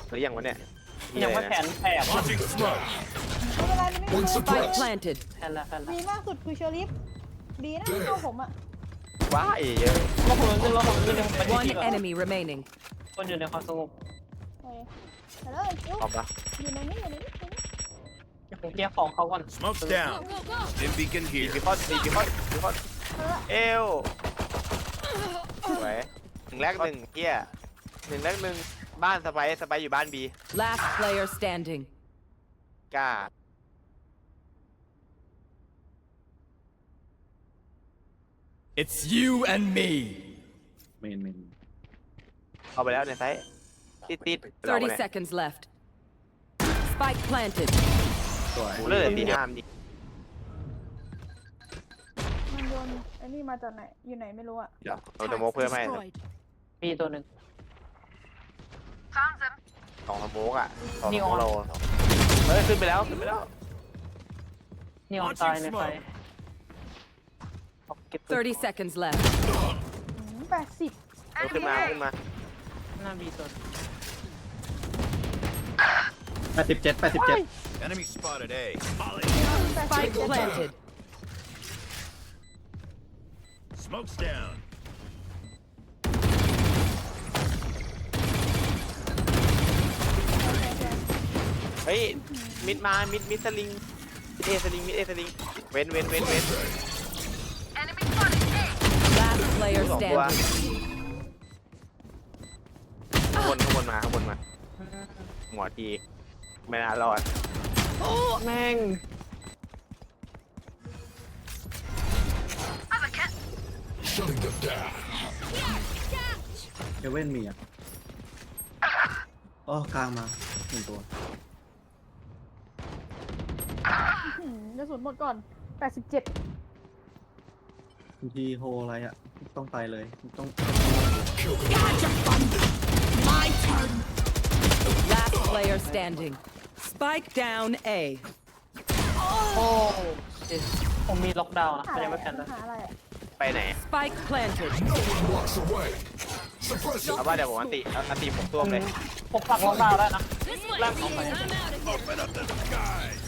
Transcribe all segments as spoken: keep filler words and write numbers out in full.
หรือยังวะเนี่ยมียังอะไรไม่แผนะนแผลวะ Launching smoke. ไม่เป็นไรไม่เป็นไร Spike planted. แผนละแผนละดีมากสุดคือเชอริฟดีนะเข้าผมอ่ะว้ายเยอะเราผมนึงเราผมนึงเดี๋ยวผมไป One ที่ก่อน enemy remaining. คนอยู่ในความสงบเฮ้ยไปเลยคิวตอบปะอยู่ในนี้อยู่ในนี้อยู่ในนี้เดี๋ยวผมเคลียร์ของเขาก่อน Smoke's down. Stim beacon ดี here. ดีคอนดีดีคอนดีคอนเออเอวสวยหนึ่งแรกหนึ่งเฮียหนึ่งแรกหนึ่งบ้านสไปซ์สไปซ์อยู่บ้านบี Last player standing. กล้า It's you and me. เมนเมนเอาไปแล้วในไซส์ติดติดเรา thirty เนี่ย seconds left. Spike planted. สวยกูเลิกตีห้ามดิมันโดนไอ้นี่มาจากไหนอยู่ไหนไม่รู้อ่ะเราจะโมกเพิ่มให้มีตัวหนึ่งสองสโมกอ่ะสองนี่สโมออก นเราเฮ้ยขึ้นไปแล้วขึ้นไปแล้วนี่ออนตายในไฟเอาเก็บตัว thirty seconds left. แปดสิบเออขึ้นมาขึ้นมาหน้าบีตัวแปดสิบเจ็ดแปดสิบเจ็ด Enemy spotted A. Spike planted. Smoke's down. เฮ้ยมิดมามิดมิดสลิงมิดเอสลิงมิดเอสลิงเว้นเว้นเว้นเว้น Last player สองตัว standing. ข้างบนข้างบนมาข้างบนมาหัวทีไม่น่ารอดแม่งเอเว่นมีอ่ะอ๋อกลางมาหนึ่งตัวหืมกระสุนหมดก่อนแปดสิบเจ็ดบางทีโฮอะไรอ่ะ ต้องไปเลยต้อง Last player standing. Spike down A. โอ้เจ็ดผมมีล็อกดาวน์นะหามันอะไรยังไม่แผนอะนะหาอะไรอะไปไหน Spike planted. เอาว่าเดี๋ยวผมอันติเอาอันติผมตัวเลยผมปักล็อกดาวน์ได้นะล่างของไป Open up the skies.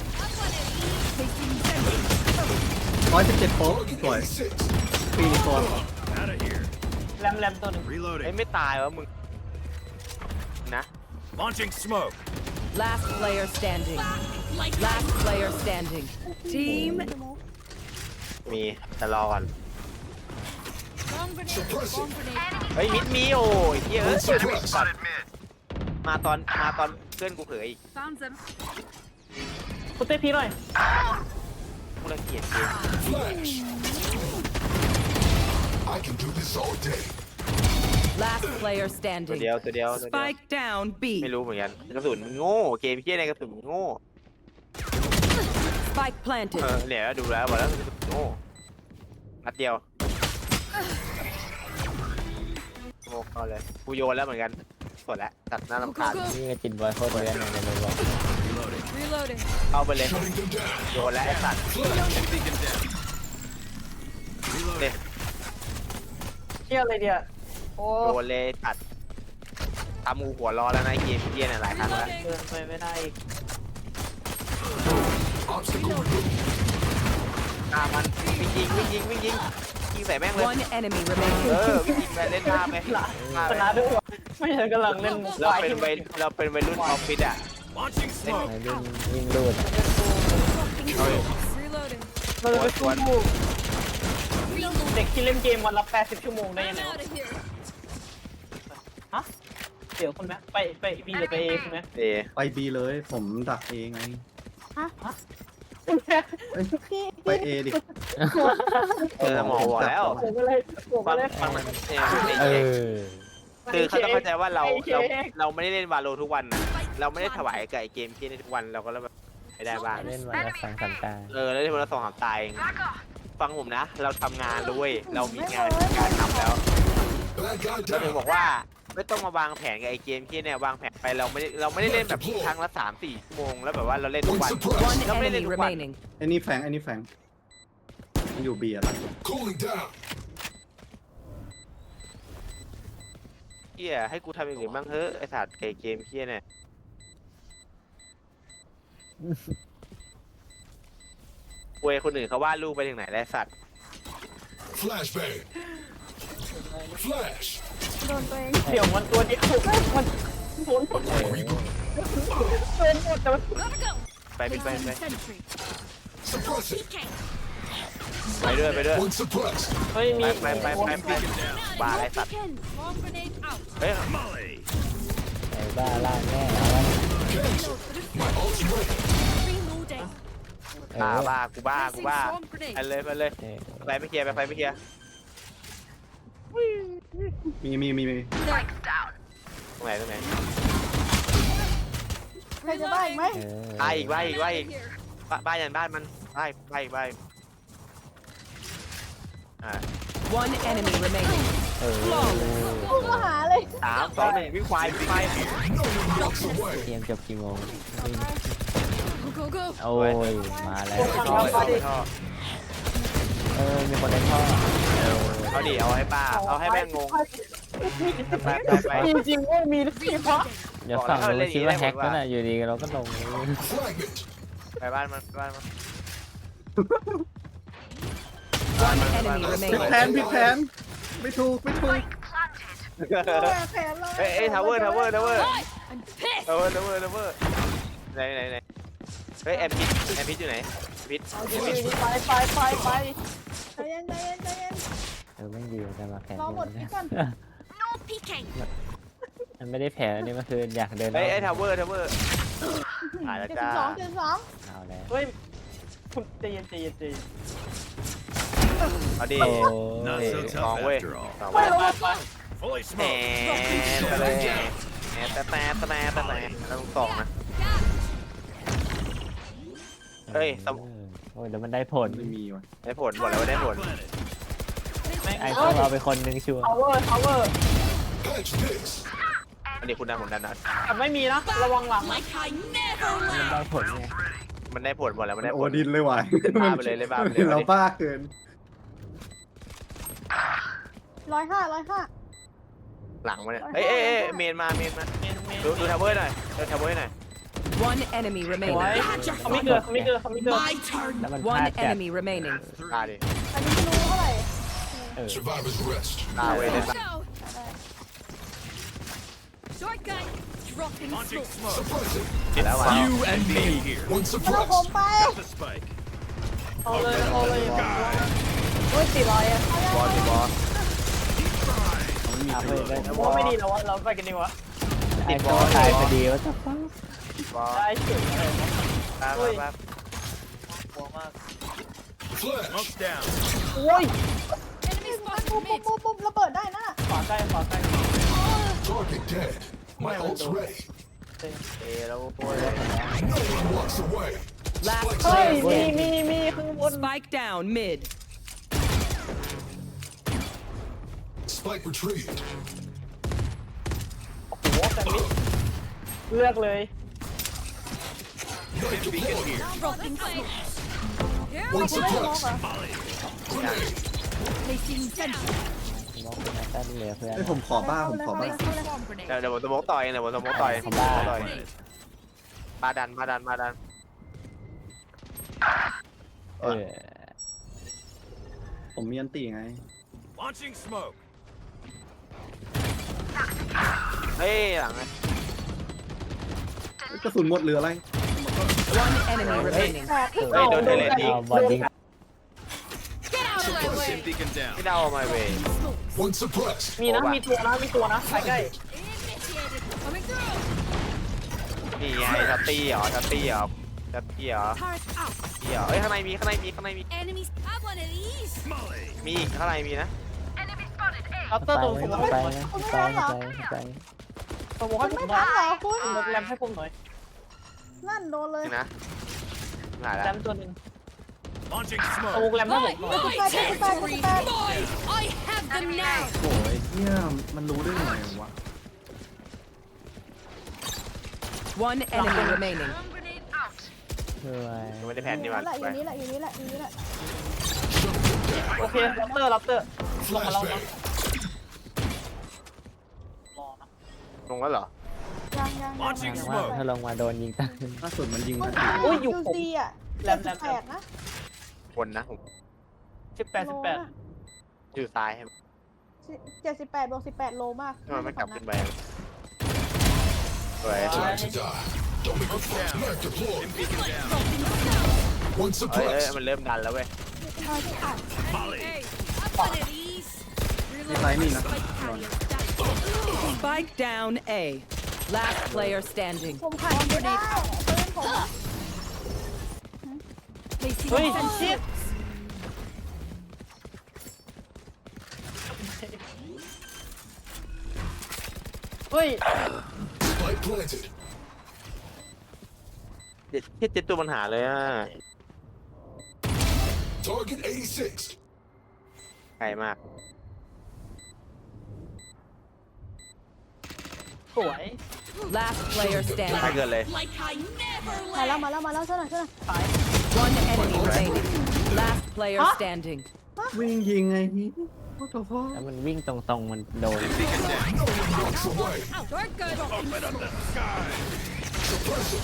ร้อยสิบเจ็ดโป๊ะสวยปีตัว Out of here. แรมแรมตัวหนึ่งเอ้ย Reloading. ไม่ตายวะมึงนะ Launching smoke. Last player standing. Last player standing. Team มีแต่รอก่อนเฮ้ยมิดมีโอ้ยเหี้ยเอะสัตว์มาตอนมาตอนเพื่อนกูเผยอีกคุณเต้พีหน่อยกูรังเกียจเกม I can do this all day. last player ตัว standing. เดียวตัวเดียวตัวเดียว Spike down ไม่ B. รู้เหมือนกันกระสุนมันโง่เกมเหี้ยในกระสุนมันโง่ Spike เอ planted. อเนี่ยดูแล้วบอกแล้วกระสุนโง่นัดเดียวโง่เข้าเลยกูโยนแล้วเหมือนกันกดแล้วตัดหน้ารำคาญนี่ก็จินบอยโคตรเรียนเลยเลยบอก Reloading. เข้าไปเลย Cutting them down. โยนแล้วไอ้สัตว์ Beacon down. เนี่ยเชี่ยอะไรเดียวโอ้โยนเลยตัดทำงูหัวร้อนแล้วนะไอ้เกมเหี้ยเนี่ยหลายครั้งแล้วเดินไปไม่ได้อีก Obstacle removed. ฆ่ามันวิ่งยิงวิ่งยิงวิ่งยิงยิงใส่แม่งเลย One enemy เอ remaining. อวิ่งยิงไปเล่นหน้าไปหน้าชไปนะด้วยวะไม่ใช่กำลังเล่นเราเป็นวัยเราเป็นวัยรุ่นออฟฟิศอ่ะ Launching smoke. ไม่วิ่งวิ่งรูดเราจะไปสู้เด็กที่เล่นเกมวันละแปดสิบชั่วโมงได้ยังไงวะฮะเดี๋ยวคุณแม่ไปไปบีหรือไปเอคุณแม่เอไปบีเลยผมดักเองไงคุณแม่พี่ไปเอดิเออหมอบอกแล้วผมก็เลยผมก็ฟังเลยฟังมันเออเออคือเขาต้องเข้าใจว่าเราเราเราไม่ได้เล่นวาโลทุกวันนะเราไม่ได้ถวายกับไอเกมที่ในทุกวันเราก็เลยแบบไม่ได้บ้างเล่นวันละสองสามตาเออแล้วที่เราสองสามตายเองฟังผมนะ เราทำงานด้วยเรามีงานการทำแล้ว Bad guy เราถึง down. บอกว่าไม่ต้องมาวางแผนกับไอเกมที่เนี่ยวางแผนไปเราไม่ได้เราไม่ได้เล่นแบบครั้งละสามสี่ชั่วโมงแล้วแบบว่าเราเล่นทุก Point วัน suppressed. One เราไม่ได้เล่น enemy ทุกวัน remaining. ไอ้นี่แฝงไอ้นี่แฝงมันอยู่บีอะล่ะ Cooling down. เฮียให้กูทำอย่างอื่นบ้างเถอะไอสัตว์ไก่เกมเฮียเนี่ยเวยคนอื่นเขาวาดรูปไปถึงไหนแล้วสัตว์ Flashbang. Flash. โดนตัวเองเดี๋ยวมันตัวเดียวมันโดนหมดเลยโดนหมดแต่มันไปไปไปไป Suppress it. ไปด้วยไปด้วย One suppressed. เฮ้ยมีไปไปไปไปบ้าอะไรสัตว์เฮ้ย Molly. ไอ้บ้าล่างแน่เอาวะ Cancel. My ult's ready. เอบ้าอบ้ากูบ้ากูบ้าไปเลยไปเลยเออไปไม่เคลียร์ไปไปไม่เคลียร์มีมีมีมีตรงไหนตรงไหนใครจะได้อีกไหมเออบ้าอีกบ้าอีกบ้าอีกบ้าบ้ายันบ้านมันบ้าบ้าอีกบ้าอีกอ่า One enemy remaining. เออกูก็หาเลยสามสองหนึ่งวิ่งควายวิ่งควาย No one walks away. เกมจบกี่โมง Go go go. โอ้ยมาแล้วท่อท่อท่อเออมีคนในท่อเออเอาดิเอาให้ป้าเอาให้แม่งงงไปไปไปมีจริงว่ามีที่เพราะเดี๋ยวฝั่งนู้นคิดว่าแฮกนั่นน่ะอยู่ดีเราก็ลง Fragment. ไปบ้านมันไปบ้านมัน One enemy ผิดแผน remaining. ผิดแผนไม่ถูกไม่ถูกแผนเลยเอ้ยเอ้ยทาวเวอร์ทาวเวอร์ทาวเวอร์ I'm pissed. ทาวเวอร์ทาวเวอร์ทาวเวอร์ไหนไหนไหนเฮ้ยแอมพิษแอมพิษอยู่ไหนพิษเอาดีดีไปไปไปไปใจเย็นใจเย็นใจเย็นเออไม่ดีจะมาแผนรอหมดพี่ก่อนมันไม่ได้แผนอันนี้มันคืออยากเดินเฮ้ยไอ้ทาวเวอร์ทาวเวอร์หายแล้วเจ็ดจ้าสิบสองเจ็ดสิบสองเอาแล้วเฮ้ยคุณใจเย็นใจเย็นใจเย็นเอาดิโอ้ Not ย so สอง tough เว้ย after all. สองไปเว้ยไปไป Fully แหม smoked. ไปเลยแหมแต่แต่แต่แต่แต่ต้องสองนะ เฮ้ยสมโอ้ยแล้วมันได้ผลไม่มีว่ะได้ผลบอกแล้วว่าได้ผล Planted. ไอ้พวกเราไปคนหนึงชัวร์พาวเวอร์พาวเวอร์ Patch this. อันนี้คุณดันผมดันนะแต่ไม่มีนะระวังหลังนะมันได้ผลไงมันได้ผลหมดแล้วมันได้โอผลดินเลยว่ะบ้าไปเลยเลยบ้าไปเลยเราบ้าเกินร้อยห้าร้อยห้าหลังมาเนี่ยเอ้ยเอ้ยเอ้ยเมนมาเมนมาเมนเมนดูดูทาวเวอร์หน่อยดูทาวเวอร์หน่อย One enemy ไว้ remaining. เขาไม่เกิดเขาไม่เกิดเขาไม่เกิดแล้วมันพลา One ดจัด enemy remaining. ตาดิอันนี้ไม่รู้เท่าไหร่เออ Survivor's rest. ตาเว้ยเลยตา Short gun. Dropping Launching smoke. Suppress it. แล้วว่ะ You and me here. One มันเอาผม suppressed. ไป The spike. เอาเลยเอาเลยโอ้ยสี่ร้อยอะบอลดิบอลเอาเพื่อนได้ว่าไม่ดีแล้ววะเราไปกันดีวะไอ้บอลตายพอดีว่าจะฟ้าบอลได้เฉยเลยตามากลัวมาก Flash. Smoke's down. โอ้ยปุ๊บปุ๊บปุ๊บปุ๊บระเบิดได้นะขวาใกล้ขวาใกล้ Target dead. My ult's ready. เอ้แล้วโอ้ย No one walks away. Last เฮ้ย player มี standing. มีมีข้างบน Spike down mid. Spike retrieved. โอ้โหแซนด์วิชเลือกเลย Night Beacon deployed. here. One suppressed. Grenade. มองเป็นนักตั้งเหลือเพื่อนไอ้ยผมขอบ้าผมขอบ้าเดี๋ยวเดี๋ยวผมสมองต่อยเดี๋ยวผมสมองต่อยผมสมองต่อยบาดันบาดันบาดันเออผมมีอันตีไง Launching smoke. เฮ้ยหลังกระสุนหมดเหลืออะไร One enemy remaining. แปดเฮ้ยโดนเทเลทีเอาบอลยิง Sim beacon down. ไม่ได้เอามาเว้ย One suppressed. มีนะมีตัวนะมีตัวนะใกล้ใกล้นี่ไงทัตตี้เหรอทัตตี้เหรอทัตตี้เหรอตี้เหรอเฮ้ยข้างในมีข้างในมีข้างในมี Enemies have one of these. Molly. มีอีกข้างในมีนะรับเตอไปร์ตัวผมไปให้ไปไปไปตัวผมมัให้นผไม่มหน่ทัอน ยเหรอคุณลดแรมให้ผมหน่อยนั่นโดนเลยนี่นะหายแรแล้วมตัวหนึ่ง Launching ตัว smoke. แรมให้ผมหน่อย My territory, boys. I have them now. โอ้ยเนี่ยมันรู้ได้ไงวะ One enemy remaining. ช่วยยังไม่ได้แผนอนี่ยู่มันนี่แหละอยู่นี่แหละอยู่นี่แหละอยู่นี่แหละโอเครับเตอร์รับเตอร์ลงมาแล้วนะ Flashbang. รอลงแล้วเหรอยังยัง Launching ยัง smoke ถ้าลงมาโดนยิงตั้งล่าสุดมันยิงโอ้มายอุ้ยอยู่ยูผมซีอ่ะแรเจ็ดมสิแรบมแปดนะคนนะผมสิบแปดสิบแปดอยู่ซ้ายให้เจ็ดสิบแปดบวกสิบแปดโลมากทำไมไม่กลับขึ้นไปสวย Time to die. Don't make a fuss. Mag deployed. Dim beacon down. One เฮ้ยเอ้ย suppressed. มันเริ่มดันแล้วเว้ย Molly. มีไซส์นี่นะ Spike down A. Last player standing. ผมขายไม่ได้เพื่อนผมเฮ้ยชิด เฮ้ย Spike planted. เจ็ดเจ็ดตัวปัญหาเลยอ่ะ Target eighty-six. ไกลมากสวย Last player ถ้า standing. เกินเลยมาแล้วมาแล้วมาแล้วช่วยหน่อยช่วยหน่อย One enemy remaining. Last player standing. วิ่งยิงไงพี่โอ้โหพ่อแล้วมันวิ่งตรงๆมันโดน Dim beacon down. No one walks away. Open up the sky. Suppressor.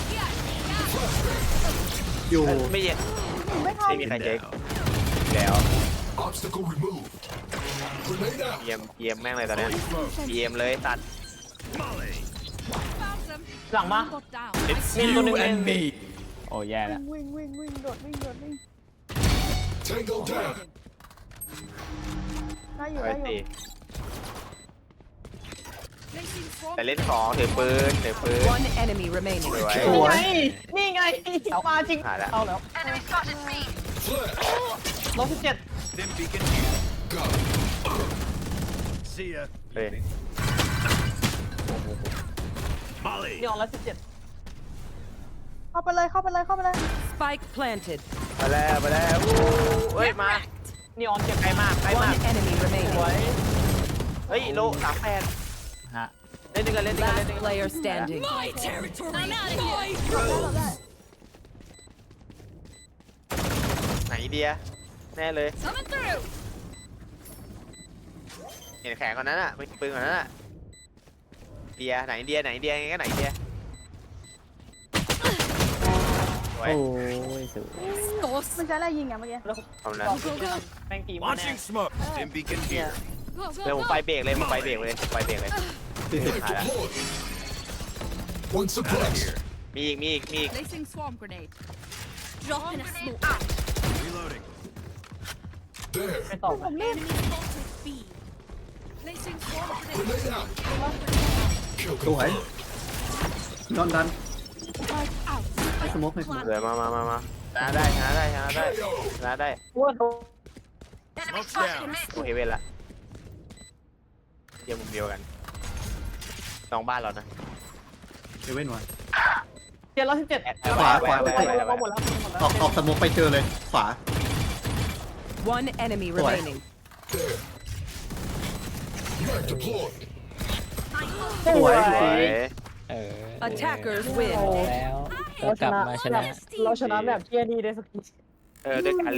อยู่ไม่เย็นไม่ทันไม่มีใครเช็ค Down. แล้ว Obstacle removed. Grenade out. เยี่ยมเยี่ยมแม่งเลยตอนเนี้ย Smoke. เยี่ยมเลยตัด Molly. หลังมา It's Min you tuning in. and me. โอ้แย่ละวิ่งวิ่งวิ่งโดดวิ่งโดดวิ่ง Tango down. ได้อยู่ไปได้อยู่สิแต่เล่นของถือปืนถือปืน One enemy remaining. สวยสวยนี่ไง มาจริงหาแล้วเอาแล้ว Flash. ลบสิบเจ็ด Dim beacon here. Got it. See ya. เฮ้ย Molly. นี่ออนแล้วสิบเจ็ดเข้าไปเลยเข้าไปเลยเข้าไปเลย Spike planted. มาแล้วมาแล้วอู้เฮ้ยมานี่ออนเก็บใกล้มากใกล้มาก One enemy สวย remaining. เฮ้ยโลสามแปดฮะเล่นด้วยกันเล่นด้วยกันเล่น Last ด้วยกัน player standing. ไหนเดียแน่เลยเห็นแขนคนนั้นอ่ะไม่ปืนคนนั้นอ่ะเดียไหนเดียไหนเดียไงก็ไหนเดียสวยโอ้ยสุดมันใช้อะไรยิงอ่ะเมื่อกี้ทำนั้นแม่งตีมาแน่ Launching smoke. Dim beacon here. เดี๋ยวผมไปเบรกเลยผมไปเบรกเลยไปเบรกเลย Mag deployed. One suppressed. Here. มีอีกมีอีกมีอีก Placing swarm grenade. Drop in a smoke. Reloading. There. ไปต่อผมรีบ Enemy spotted B. Placing swarm grenade. Grenade out. Kill สวย confirmed. นอนดัน Spike out. ไอ้สโมกให้สโมกเดี๋ยวมามามามาชนะได้ชนะได้ชนะได้ K O. ชนะได้ว่าโดน Smoke's down. โอเคเว้นละเยี่ยมมุมเดียวกันสองบ้านเรานะเอเว่นวันเจ็ดร้อยสิบเจ็ดขวาขวาไปไปไปไปหมดแล้วหมดแล้วออกออกสโมกไปเจอเลย ขวา One enemy Boy. remaining. There. Mag deployed. สวยสวยเออ Attackers win. แล้วก็กลับมาชนะเราชนะแบบเที่ยนี่ได้สักทีเออด้วยกัน